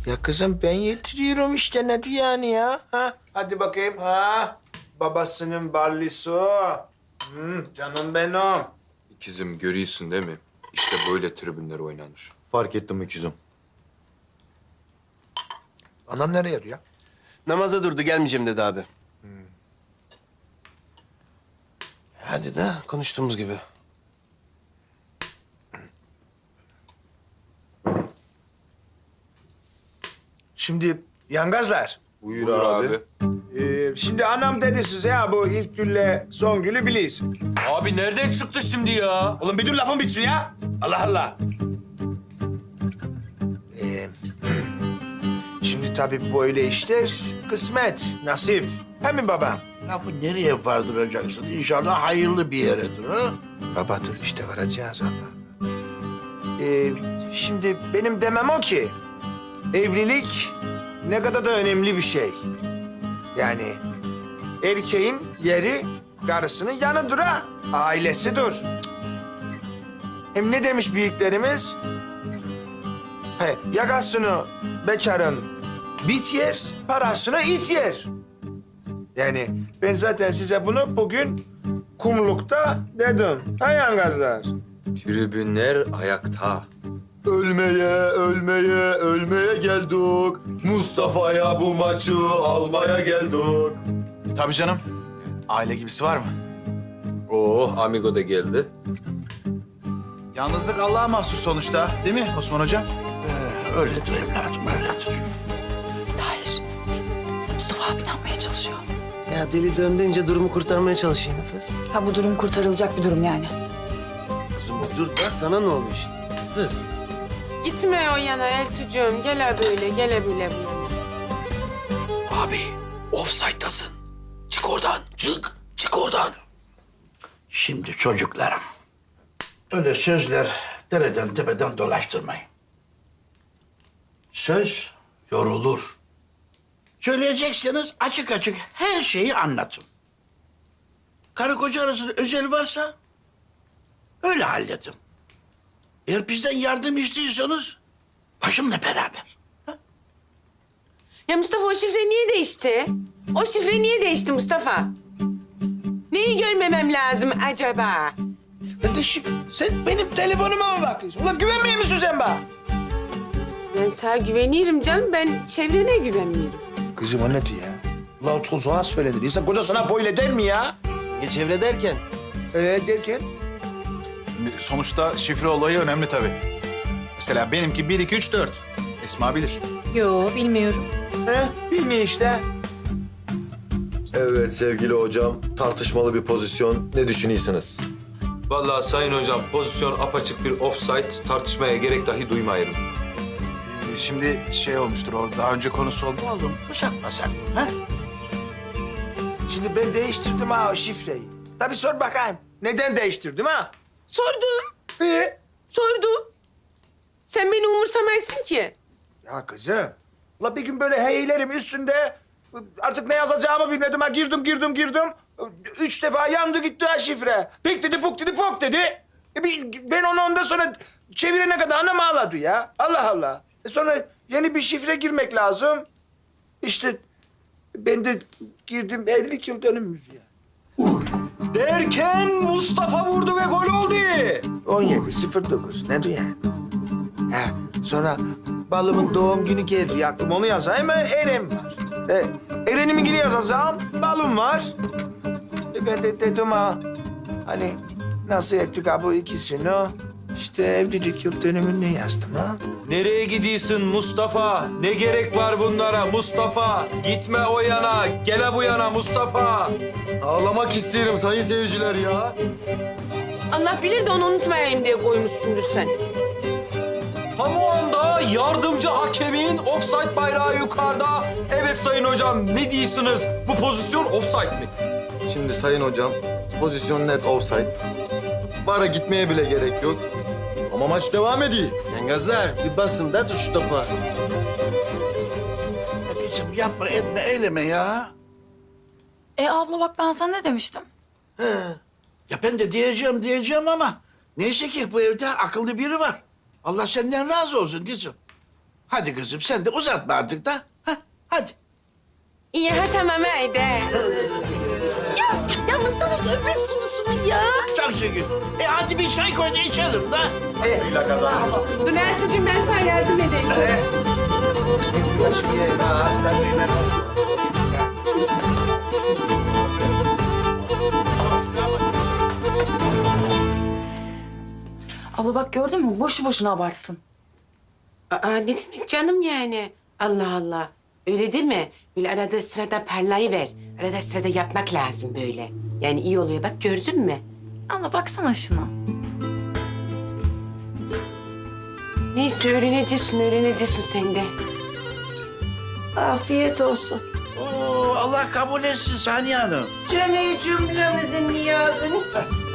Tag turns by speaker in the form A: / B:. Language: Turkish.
A: Ya kızım ben yediriyorum işte ne diyor yani ya? Ha? Hadi bakayım ha. Babasının barlisu. Canım benim.
B: İkizim görüyorsun değil mi? İşte böyle tribünler oynanır.
C: Fark ettim ikizim.
A: Anam nereye ya?
D: Namaza durdu, gelmeyeceğim dedi abi. Hadi de konuştuğumuz gibi.
A: Şimdi yangazlar.
B: Buyur abi.
A: Şimdi anam dedi size ya bu ilk gülle son gülü biliyorsun.
B: Abi nereden çıktı şimdi ya?
A: Oğlum bir dur lafın bitsin ya. Allah Allah. Şimdi tabii böyle işler kısmet, nasip. He mi baba?
E: Lafı nereye vardıracaksın? İnşallah hayırlı bir yeredir ha?
A: Baba dur işte varacağız Allah Allah. Şimdi benim demem o ki evlilik ne kadar da önemli bir şey. Yani erkeğin yeri karısının yanıdır ha. Ailesidir. Hem ne demiş büyüklerimiz? Yakasını bekarın bit yer, parasını it yer. Yani ben zaten size bunu bugün kumlukta dedim. Ha yangazlar?
B: Tribünler ayakta.
C: Ölmeye geldik. Mustafa'ya bu maçı almaya geldik.
F: Tabii canım. Aile gibisi var mı?
B: Oh, amigo da geldi.
F: Yalnızlık Allah'a mahsus sonuçta, değil mi Osman Hocam?
E: Öyledir evladım, öyledir.
G: Tahir, Mustafa abi ne yapmaya çalışıyor?
D: Ya deli döndüğünce durumu kurtarmaya çalışayım Nefes.
G: Ha bu durum kurtarılacak bir durum yani.
D: Kızım bir dur da sana ne olmuş? Nefes.
H: Gitme o yana Eltucuğum. Gele böyle, gele böyle.
E: Abi, offside'tasın. Çık oradan, çık oradan. Şimdi çocuklarım, öyle sözler dereden tepeden dolaştırmayın. Söz yorulur. Söyleyecekseniz açık açık her şeyi anlatın. Karı koca arasında özel varsa öyle halledin. Eğer bizden yardım istiyorsanız başımla beraber.
H: Ya Mustafa o şifre niye değişti? O şifre niye değişti Mustafa? Neyi görmemem lazım acaba?
A: Kardeşim sen benim telefonuma mı bakıyorsun? Ulan güvenmiyor musun sen bana?
H: Ben sana güvenirim canım. Ben çevrene güvenmiyorum.
A: Kızım o ne diyor ya? Ulan çocuğa söylenir. İnsan kocasına böyle der mi ya?
D: Ya çevre derken?
A: Derken?
F: Sonuçta şifre olayı önemli tabii. Mesela benimki 1, 2, 3, 4. Esma bilir.
G: Yo bilmiyorum.
A: Bilmiyor işte.
C: Evet sevgili hocam, tartışmalı bir pozisyon. Ne düşünüyorsunuz?
B: Vallahi sayın hocam pozisyon apaçık bir offside, tartışmaya gerek dahi duymayırım.
F: Şimdi şey olmuştur, o daha önce konusu oldu.
E: Oğlum uzatmasak mı? Ha?
A: Şimdi ben değiştirdim ha o şifreyi. Tabii sor bakayım. Neden değiştirdim ha?
H: Sordum, sordum. Sen beni umursamazsın ki.
A: Ya kızım. Ula bir gün böyle heyelerim üstünde artık ne yazacağımı bilmedim ha. Girdim. 3 defa yandı gitti ha şifre. Pik dedi puk dedi pok dedi. Ben onu ondan sonra çevirene kadar anam ağladı ya. Allah Allah. Sonra yeni bir şifre girmek lazım. İşte ben de girdim 50 yıl dönümümüz ya.
B: Derken Mustafa vurdu ve gol oldu.
A: 17.09 ne diyor yani? Ha, sonra balımın doğum günü geldi. Aklım onu yazayım mı? Eren var. Eren'imin günü yazacağım. Balım var. Ben de dedim ha. Hani nasıl ettik ha bu ikisini? İşte evlilik yıl dönümünü yazdım ha.
B: Nereye gidiyorsun Mustafa? Ne gerek var bunlara Mustafa? Gitme o yana, gele bu yana Mustafa.
C: Ağlamak isterim sayın seyirciler ya.
H: Allah bilir de onu unutmayayım diye koymuşsundur sen.
B: Tam o anda yardımcı hakemin offside bayrağı yukarıda. Evet sayın hocam ne diyorsunuz? Bu pozisyon offside mi?
C: Şimdi sayın hocam, pozisyon net offside. Bara gitmeye bile gerek yok. Ama maç devam ediyor.
D: Yangazlar bir basın da tut şu topa.
E: Ya kızım yapma, etme, eyleme ya.
G: Abla bak ben sana ne demiştim?
E: Ya ben de diyeceğim ama neyse ki bu evde akıllı biri var. Allah senden razı olsun kızım. Hadi kızım sen de uzatma artık da. Ha, hadi.
H: İyi ha tamam haydi.
G: Ya Mustafa görme sunusunu ya.
E: Çok şükür. Hadi bir çay koy da içelim da.
H: Dur Ertuğ'cum ben sana yardım edeyim.
G: Abla bak gördün mü? Boşu boşuna abarttın.
H: Aa ne demek canım yani? Allah Allah. Öyle değil mi? Böyle arada sırada parlayıver. Arada sırada yapmak lazım böyle. Yani iyi oluyor bak gördün mü?
G: Abla baksana şuna.
H: Neyse öğreneceksin sen de.
I: Afiyet olsun.
E: Oo, Allah kabul etsin Saniye Hanım.
I: Cemi cümlemizin niyazını